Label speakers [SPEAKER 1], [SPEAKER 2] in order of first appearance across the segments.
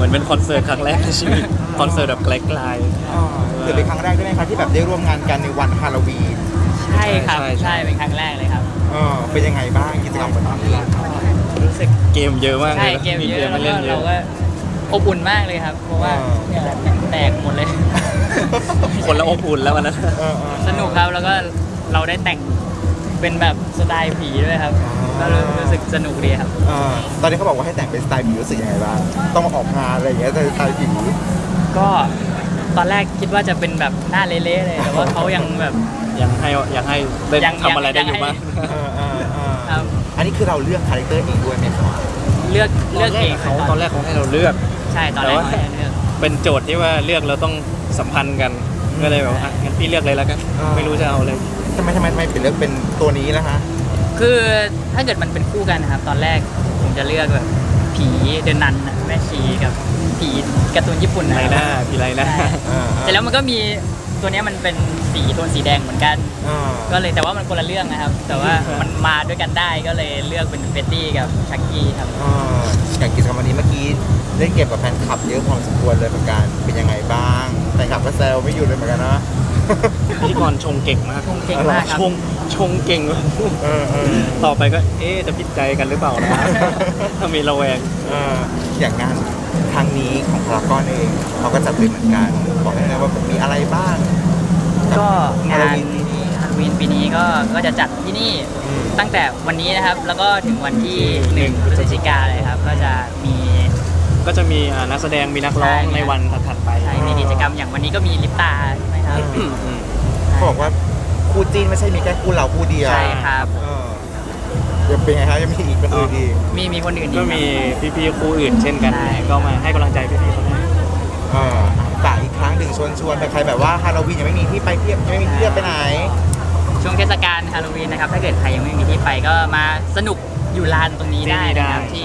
[SPEAKER 1] อนเป็นคอนเสิร์ตครั้งแรกในชีวิตคอนเสิร์ตแบบไกล
[SPEAKER 2] ถือเป็นครั้งแรกด้วยไหมครับที่แบบได้ร่วมงานกันในวันฮาโลวีน
[SPEAKER 3] ใช่ครับใช่เป็นครั้งแรกเลยครับ
[SPEAKER 2] เป็นยังไงบ้างกิจกรรมวันนี้
[SPEAKER 3] รู้สึก
[SPEAKER 1] ๆเกมเยอะมากเล
[SPEAKER 3] ใช่
[SPEAKER 1] ย
[SPEAKER 3] เกมเยอะ
[SPEAKER 1] มา
[SPEAKER 3] แล้ว
[SPEAKER 1] เล่
[SPEAKER 3] ก็
[SPEAKER 1] นเย
[SPEAKER 3] เรา
[SPEAKER 1] อะ
[SPEAKER 3] ก็อบอุ่นมากเลยครับ เพราะว่าเนี่ยแหละแตกหมดเลย
[SPEAKER 1] คนละอบอุ่นแล้ววันนั้น
[SPEAKER 3] สนุกครับแล้วก็เราได้แต่งเป็นแบบสไตล์ผีด้วยครับก็รู้สึกสนุกดีครับ
[SPEAKER 2] ตอนนี้เขาบอกว่าให้แต่งเป็นสไตล์ผีรู้สึกยังไงบ้างต้องมาออกงานอะไรอย่างเงี้ยสไตล์ผี
[SPEAKER 3] ก็ตอนแรกคิดว่าจะเป็นแบบหน้าเละๆเลยแต่ว่าเขายังแบบ
[SPEAKER 1] ยังให้ได้ทำอะไรได้อยู่บ้าง
[SPEAKER 3] ครับ
[SPEAKER 2] อันนี้คือเราเลือกคาแรคเตอร์เองด้วยไหมครับ
[SPEAKER 3] เลือกเองครับ
[SPEAKER 1] ตอนแรกเขาให้เราเลือก
[SPEAKER 3] ใช่ตอนแรกเขาให้เลือก
[SPEAKER 1] เป็นโจทย์ที่ว่าเลือกเราต้องสัมพันธ์กันก็เลยแบบว่างั้นพี่เลือกเลยแล้วกันไม่รู้จะเอาเลย
[SPEAKER 2] ทำไมเป็นเลือกเป็นตัวนี้ล่ะฮะ
[SPEAKER 3] คือถ้าเกิดมันเป็นคู่กันนะครับตอนแรกผมจะเลือกแบบผีเดินนันน่ะแม่ชีกับผีการ์ตูนญี่ปุ่น
[SPEAKER 1] ไรหน้าพี่ไรหน้า
[SPEAKER 3] เสร็จแล้วมันก็มีตัวเนี้ยมันเป็นสีโทนสีแดงเหมือนกัน ก็เลยแต่ว่ามันคนละเรื่องนะครับ แต่ว่ามันมาด้วยกันได้ก็เลยเลือกเป็นเฟตตี้กับชักกี้ครับ
[SPEAKER 2] อย่างกิจกรรมวันนี้เมื่อกี้เล่นเกมกับแฟนคลับเยอะพอสมควรเลยเหมือนกันเป็นยังไงบ้างแฟนคลับก็แซวไม่หยุดเลยเหมือนกันนะ
[SPEAKER 1] พิธีกรชงเก่งมาก
[SPEAKER 3] ชงเก่งมากครับ
[SPEAKER 1] ชงเก่งต่อไปก็จะผิดใจกันหรือเปล่านะ ถ้ามีระแวง
[SPEAKER 2] อย่างงานครั้งนี้ของพารากอนเองเขาก็จัดเป็นเหมือนกันบอกได้เลยว่ามีอะไรบ้าง
[SPEAKER 3] ก็งาน
[SPEAKER 2] ฮาโลวีนปีนี้
[SPEAKER 3] ฮาโลวีนปีนี้ก็จะจัดที่นี่ตั้งแต่วันนี้นะครับ แล้วก็ถึงวันที่1 พฤศจิกายนเลยครับ ก็จะมี
[SPEAKER 1] ก็จะมีนักแสดงมีนักร้องในวันถัดๆไป
[SPEAKER 3] ใช่มีกิจกรรมอย่างวันนี้ก็มีลิปตาใช่ไหมครับ
[SPEAKER 2] เขาบอกว่าคู่จีนไม่ใช่มีแค่คู่เราคู่เดียว
[SPEAKER 3] ใช่ครับ
[SPEAKER 2] ยังเป็นไงครับยังมีอีกเป็นอื่นอีก
[SPEAKER 3] มีคนอื่นอีก
[SPEAKER 1] ก็มี
[SPEAKER 3] ครับ
[SPEAKER 1] พี่ๆครูอื่นเช่นกัน
[SPEAKER 3] ใช่
[SPEAKER 1] ก็มาให้กำลังใจพี่ๆเขาได้
[SPEAKER 2] ฝากอีกครั้งหนึ่งชวนใครแบบว่าฮาโลวีนยังไม่มีที่ไปเที่ยวยังไม่มีที่เที่ยวไปไหน
[SPEAKER 3] ช่วงเทศกาลฮาโลวีนนะครับ ถ้าเกิดใครยังไม่มีที่ไปก็มาสนุกอยู่ลานตรงนี้ได้นะครับที่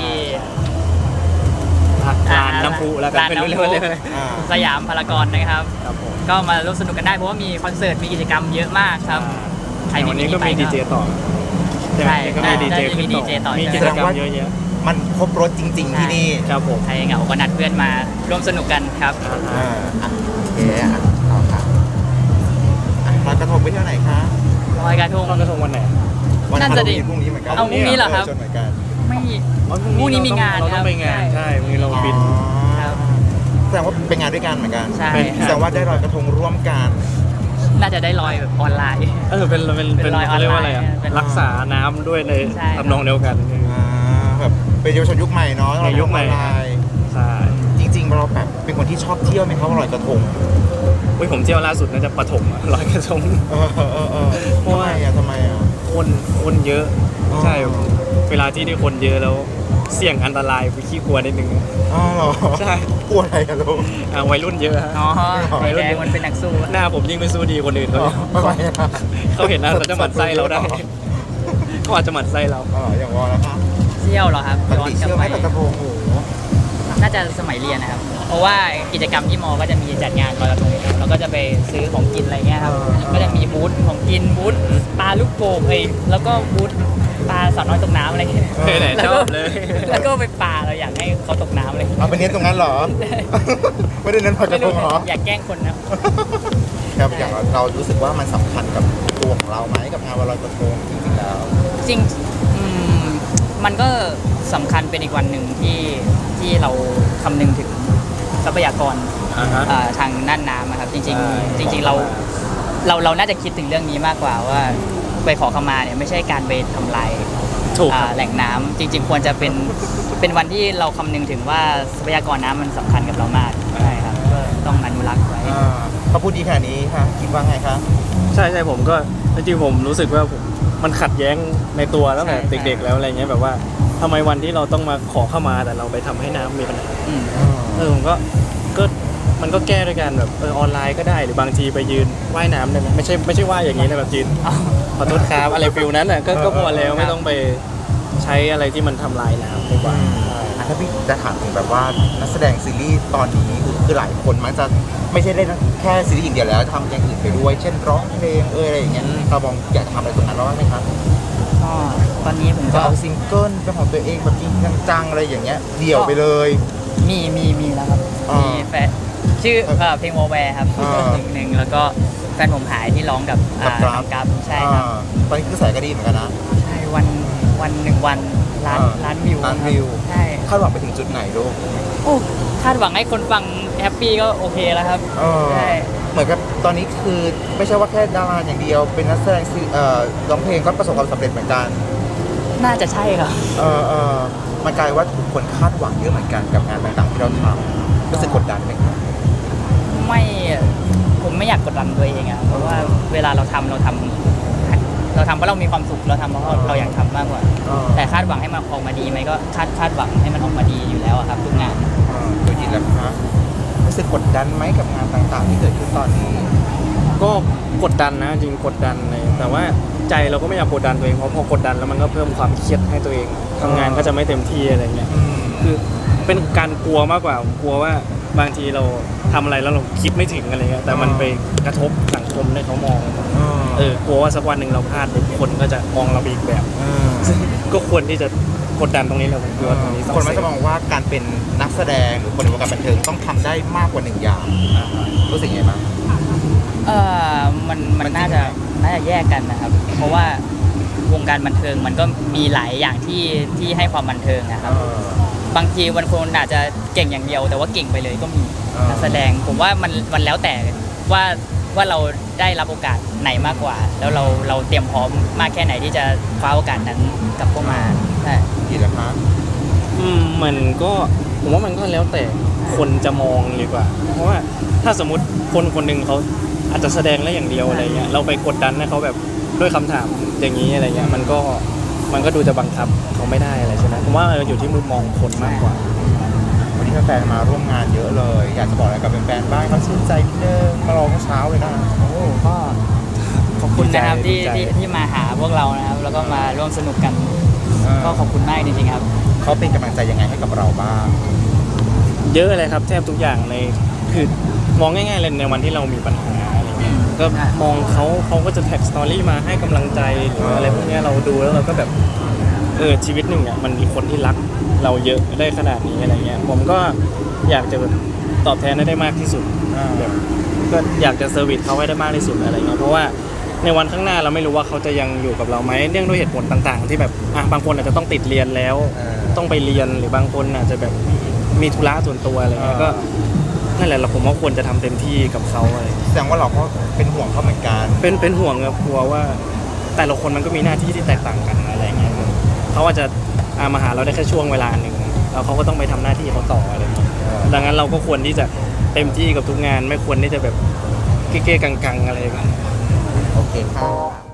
[SPEAKER 1] ร้านน้ำพุแล้วกัน
[SPEAKER 3] ร้าน
[SPEAKER 1] เป็น
[SPEAKER 3] น้ำ
[SPEAKER 1] เรื่
[SPEAKER 3] พุ
[SPEAKER 1] องเลย
[SPEAKER 3] สยามพารากอนนะครับ
[SPEAKER 1] ครับผม
[SPEAKER 3] ก็มาร่วมสนุกกันได้เพราะว่ามีคอนเสิร์ตมีกิจกรรมเยอะมากครับ ใครไม่
[SPEAKER 1] วัน
[SPEAKER 3] มี
[SPEAKER 1] นี้ก็
[SPEAKER 3] ที่ไป
[SPEAKER 1] มีดีเจต่อ
[SPEAKER 3] ใช่
[SPEAKER 1] ก็มีดีเจ
[SPEAKER 3] น่าจะมี
[SPEAKER 1] ขึ้น
[SPEAKER 3] ดีเจต่อ
[SPEAKER 1] มีกิจกรรมเยอะแยะ
[SPEAKER 2] มันครบรถจริง ๆ ที่นี่
[SPEAKER 1] ครับผม
[SPEAKER 3] ใครเหงาก็นัดเพื่อนมาร่วมสนุกกันครับ
[SPEAKER 2] โอเคต่อค่ะลอยกระทงไปเที่ยวไหนคะ
[SPEAKER 3] ลอยกระทง
[SPEAKER 1] ลอยกระทงวันไหน
[SPEAKER 2] วัน
[SPEAKER 3] น่า
[SPEAKER 2] ฮา
[SPEAKER 3] จะ
[SPEAKER 2] โล
[SPEAKER 3] ดี
[SPEAKER 2] วีนพรุ่งนี้เหมือนกัน
[SPEAKER 3] เอาพรุ่งนี้เหรอครับ
[SPEAKER 2] ชวนเหมือนกัน
[SPEAKER 3] ไม่
[SPEAKER 1] อ๋อ
[SPEAKER 3] พรุ่งนี้มีงาน
[SPEAKER 1] เราต้องไปงาน
[SPEAKER 3] ครับ
[SPEAKER 1] ใช่พรุ่งนี้เราบิน
[SPEAKER 3] ครับ
[SPEAKER 2] แสดงว่าเป็นงานด้วยกันเหมือนกัน
[SPEAKER 3] ใช่
[SPEAKER 2] แสดงว่าได้ลอยกระทงร่วมกัน
[SPEAKER 3] น่าจะได้ลอยแบบออนไลน์
[SPEAKER 1] เป็น
[SPEAKER 3] ลอยออนไลน์
[SPEAKER 1] เขาเรียกว่าอะไรอ่ะ
[SPEAKER 3] เป็น
[SPEAKER 1] รักษาน้ำด้วยใน
[SPEAKER 3] ใช่ครับ
[SPEAKER 1] ทำนองเดียวกัน
[SPEAKER 2] แบบเป็นเยาวชนยุคใหม่เนาะ
[SPEAKER 1] ในยุคใหม่
[SPEAKER 2] ออนไลน์
[SPEAKER 1] ใช่
[SPEAKER 2] จริงๆเราแบบเป็นคนที่ชอบเที่ยวไหมครับลอยกระทง
[SPEAKER 1] อุ้ยผมเที่ยวล่าสุดน่าจะปฐมอะลอยกระทง เพราะว่า
[SPEAKER 2] ทำไมอ่ะ
[SPEAKER 1] คนเยอะ
[SPEAKER 2] อ๋อ
[SPEAKER 1] ใช่เวลาที่ได้คนเยอะแล้วเสี่ยงอันตรายไปขี้กลัวนิดนึง
[SPEAKER 2] อ๋อเหรอ
[SPEAKER 1] ใช่
[SPEAKER 2] กลัวอะไรกันลูก
[SPEAKER 1] วัยรุ่นเยอะฮะ
[SPEAKER 3] อ๋อไฟแดงมันเป็นนักสู้
[SPEAKER 1] หน้าผมยิ่งไม่สู้ดีคนอื่นเขาเลย
[SPEAKER 2] ทำไมอ่ะ
[SPEAKER 1] เขาเห็นหน้าเขาจะหมั่นไส้เราได้เขาอาจจะหมั่นไส้เรา
[SPEAKER 2] อย่างวอแล้วครับ
[SPEAKER 3] เที่ยวเหรอครับ
[SPEAKER 2] ปกติเชื่อไหมลอยกระทงโอ้โห
[SPEAKER 3] น่าจะสมัยเรียนนะครับ เพราะว่ากิจกรรมที่มอ ก็จะมีจัดงานลอยกระทงอยู่แล้วก็จะไปซื้อของกินอะไรเงี้ยครับ ก็จะมีบูธของกินบูธปลาลูกโป่งแล้วก็บูธปลาสาวน้อยตกน้ำอะไรเงี้ย
[SPEAKER 1] ไหนชอบเลย
[SPEAKER 3] แล้วก็ไปปลาเราอยากให้เขาตกน้ำเลย
[SPEAKER 2] เอาไปเน้นตรงนั้นเหรอ ไม่ได้เน้นลอยก
[SPEAKER 3] ไม่
[SPEAKER 2] ระท
[SPEAKER 3] รู้
[SPEAKER 2] งเหรอ
[SPEAKER 3] อยากแกล้งคนนะ
[SPEAKER 2] ครับอย่างเรารู้สึกว่ามันสำคัญกับตัวของเราไหมกับงานวันลอยกระทงจริงๆแล้ว
[SPEAKER 3] จริงมันก็สำคัญเป็นอีกวันหนึ่งที่เราคำนึงถึงทรัพยากร ทางน่านน้ำอะครับจริง
[SPEAKER 1] ใช่
[SPEAKER 3] ๆจริง ๆเราน่าจะคิดถึงเรื่องนี้มากกว่าว่าไปขอขมาเนี่ยไม่ใช่การไปทำลาย
[SPEAKER 1] ถูกครับ
[SPEAKER 3] แหล่งน้ำจริง ๆ ควรจะเป็นวันที่เราคำนึงถึงว่าทรัพยากรน้ำมันสำคัญกับเรามากใช่ครับก็ต้องอนุรักษ์ไว้
[SPEAKER 2] เขาพูดดีขนาดนี้ค่ะคิดว่าไงคะ
[SPEAKER 1] ใช่ผมก็จริงๆผมรู้สึกว่ามันขัดแย้งในตัวตั้งแต่
[SPEAKER 3] ใช่
[SPEAKER 1] เด็กๆแล้วอะไรเงี้ยแบบว่าทำไมวันที่เราต้องมาขอเข้ามาแต่เราไปทำให้น้ำมีปัญหา
[SPEAKER 3] อืม
[SPEAKER 1] ผมก็มันก็แก้ด้วยกันแบบออนไลน์ก็ได้หรือบางทีไปยืนว่ายน้ำได้ไหมไม่ใช่ว่ายอย่างนี้นะแบบยืนขอโทษครับอะไรฟิลนั้นน่ะก็พอแล้วไม่ต้องไปใช้อะไรที่มันทำลายน้ำดีกว่า
[SPEAKER 2] ถ้าพี่จะถามถึงแบบว่านักแสดงซีรีส์ตอนนี้คือหลายคนมักจะไม่ใช่เล่นแค่ซีรีส์อย่างเดียวแล้วทำอย่างอื่นไปด้วย เช่นร้องเพลงอะไรอย่างเงี้ยเรามองอยากจะทำอะไรตรงนั้นบ้างไหมครับ
[SPEAKER 3] ก็ตอนนี้ผม
[SPEAKER 2] จะ
[SPEAKER 3] ก็
[SPEAKER 2] เอาซิงเกิลเป็นของตัวเองแบบจริงจังๆอะไรอย่างเงี้ยเดี่ยวไปเลย
[SPEAKER 3] มีแล้วครับ
[SPEAKER 2] อ่ามี
[SPEAKER 3] มีแฟนชื่อเพลงวอลแวร์ครับ
[SPEAKER 2] อ่า
[SPEAKER 3] หนึ่งแล้วก็แฟนผมหายที่ร้องกับ
[SPEAKER 2] กับกราฟ
[SPEAKER 3] น้องกราฟใช่ครับ
[SPEAKER 2] ตอนนี้คือสายก็ดีเหมือนกันนะ
[SPEAKER 3] ใช่วันหนึ่งวันล้าน
[SPEAKER 2] อ่า
[SPEAKER 3] ล้านวิว
[SPEAKER 2] ล้าน
[SPEAKER 3] ครับ
[SPEAKER 2] วิว
[SPEAKER 3] ใช่
[SPEAKER 2] คาดหวังไปถึงจุดไหนลูก
[SPEAKER 3] โอ้คาดหวังให้คนฟังแฮปปี้ก็โอเคแล้วครับ ใช่
[SPEAKER 2] เหมือนกับตอนนี้คือไม่ใช่ว่าแค่ดาราอย่างเดียว เป็นนักแสดงร้องเพลงก็ประสบความสำเร็จเหมือนกัน
[SPEAKER 3] น่าจะใช่ครับ
[SPEAKER 2] มันกลายว่าทุกคนคาดหวังเยอะเหมือนกันกับงานต่างๆที่เราทำรู้สึกกดดันไหมครับ
[SPEAKER 3] ไม่ผมไม่อยากกดดันตัวเองอะเพราะว่าเวลาเราทำเพราะเรามีความสุขเราทำเพราะเราอยากทำมากกว่า แต่คาดหวังให้มันออกมาดีไหมก็คาดหวังให้มันออกมาดีอยู่แล้วอะครับทุกงาน
[SPEAKER 2] ตัวยินแล้วครับรู้สึกกดดันไหมกับงานต่างๆ ที่เกิดขึ้นตอนนี้
[SPEAKER 1] ก็กดดันนะจริงกดดันเลยแต่ว่าใจเราก็ไม่อยากกดดันตัวเองเพราะพอกดดันแล้วมันก็เพิ่มความเครียดให้ตัวเองทำงานก็จะไม่เต็มที่อะไรเงี้ยคือเป็นการกลัวมากกว่ากลัวว่าบางทีเราทำอะไรแล้วเราคิดไม่ถึงอะไรเงี้ยแต่มันไปกระทบสังคมให้เขามองกลัวว่าสักวันหนึ่งเราพลาดคนก็จะมองเราอีกแบบซึ่งก็ควรที่จะกดดันตรงนี้แหละผมคิดว่าตรงนี้ต้อง
[SPEAKER 2] คนมักจะมองว่าการเป็นนักแสดงหรือคนในวงการบันเทิงต้องทำได้มากกว่าหนึ่งอย่างรู้สึกยังไงบ้าง
[SPEAKER 3] มันน่าจะแยกกันนะครับ เพราะว่าวงการบันเทิงมันก็มีหลายอย่างที่ให้ความบันเทิงนะครับ บางทีวันคนอาจจะเก่งอย่างเดียว แต่ว่าเก่งไปเลยก็มีนักแสดงผมว่ามันแล้วแต่ว่าเราได้รับโอกาสไหนมากกว่า แล้วเราเตรียมพร้อมมากแค่ไหนที่จะคว้าโอกาสนั้นกลับเข้ามาใช่
[SPEAKER 2] กี่แล้วครับ
[SPEAKER 1] มันก็ผมว่ามันก็แล้วแต่คนจะมองดีกว่า เพราะว่าถ้าสมมติคนหนึ่งเขาอาจจะแสดงได้อย่างเดียวอะไรเงี้ยเราไปกดดันให้เขาแบบด้วยคำถามอย่างนี้อะไรเงี้ยมันก็ดูจะบังคับเขาไม่ได้อะไรใช่ไหมผมว่ามันอยู่ที่มุมมองคนมากกว่า
[SPEAKER 2] วันนี้แฟนๆมาร่วมงานเยอะเลย อยากจะบอกอะไรกับแฟนๆบ้างเขาชื่นใจนิดนึงมารอเมื่อเช้าเลยนะ
[SPEAKER 3] ก็ขอบคุณนะครับ
[SPEAKER 1] ดีใจ
[SPEAKER 3] ที่มาหาพวกเรานะครับ แล้วก็มาร่วมสนุกกัน ก็ขอบคุณมากจริงๆครับ
[SPEAKER 2] เขาเป็นกำลังใจยังไงให้กับเราบ้าง
[SPEAKER 1] เยอะเลยครับแทบทุกอย่างในคือมองง่ายๆเลยในวันที่เรามีปัญหาอะไรเงี้ยก็มองเขาก็จะแท็กสตอรี่มาให้กำลังใจหรืออะไรพวกเนี้ยเราดูแล้วเราก็แบบชีวิตหนึ่งอ่ะมันมีคนที่รักเราเยอะได้ขนาดนี้อะไรเงี้ยผมก็อยากจะแบบตอบแทนได้มากที่สุดแบบก็อยากจะเซอร์วิสเขาให้ได้มากที่สุดอะไรเงี้ยเพราะว่าในวันข้างหน้าเราไม่รู้ว่าเขาจะยังอยู่กับเราไหมเนื่องด้วยเหตุผลต่างๆ ที่แบบบางคนอาจจะต้องติดเรียนแล้ว ต้องไปเรียนหรือบางคนอาจจะแบบมีธุระส่วนตัวอะไรเงี้ยก็นั่นแหละผมว่าควรจะทำเต็มที่กับเขาอะไร
[SPEAKER 2] แสดงว่าเราก็เป็นห่วงเขาเหมือนกัน
[SPEAKER 1] เป็นห่วงครับกลัวว่าแต่ละคนมันก็มีหน้าที่ที่แตกต่างกันอะไรเงี้ยเขาอาจจะมาหาเราได้แค่ช่วงเวลาหนึ่งแล้วเขาก็ต้องไปทำหน้าที่เขาต่ออะไรเงี้ยดังนั้นเราก็ควรที่จะเต็มที่กับทุกงานไม่ควรที่จะแบบเก้ๆกังๆอะไรกัน
[SPEAKER 2] โอเคครับ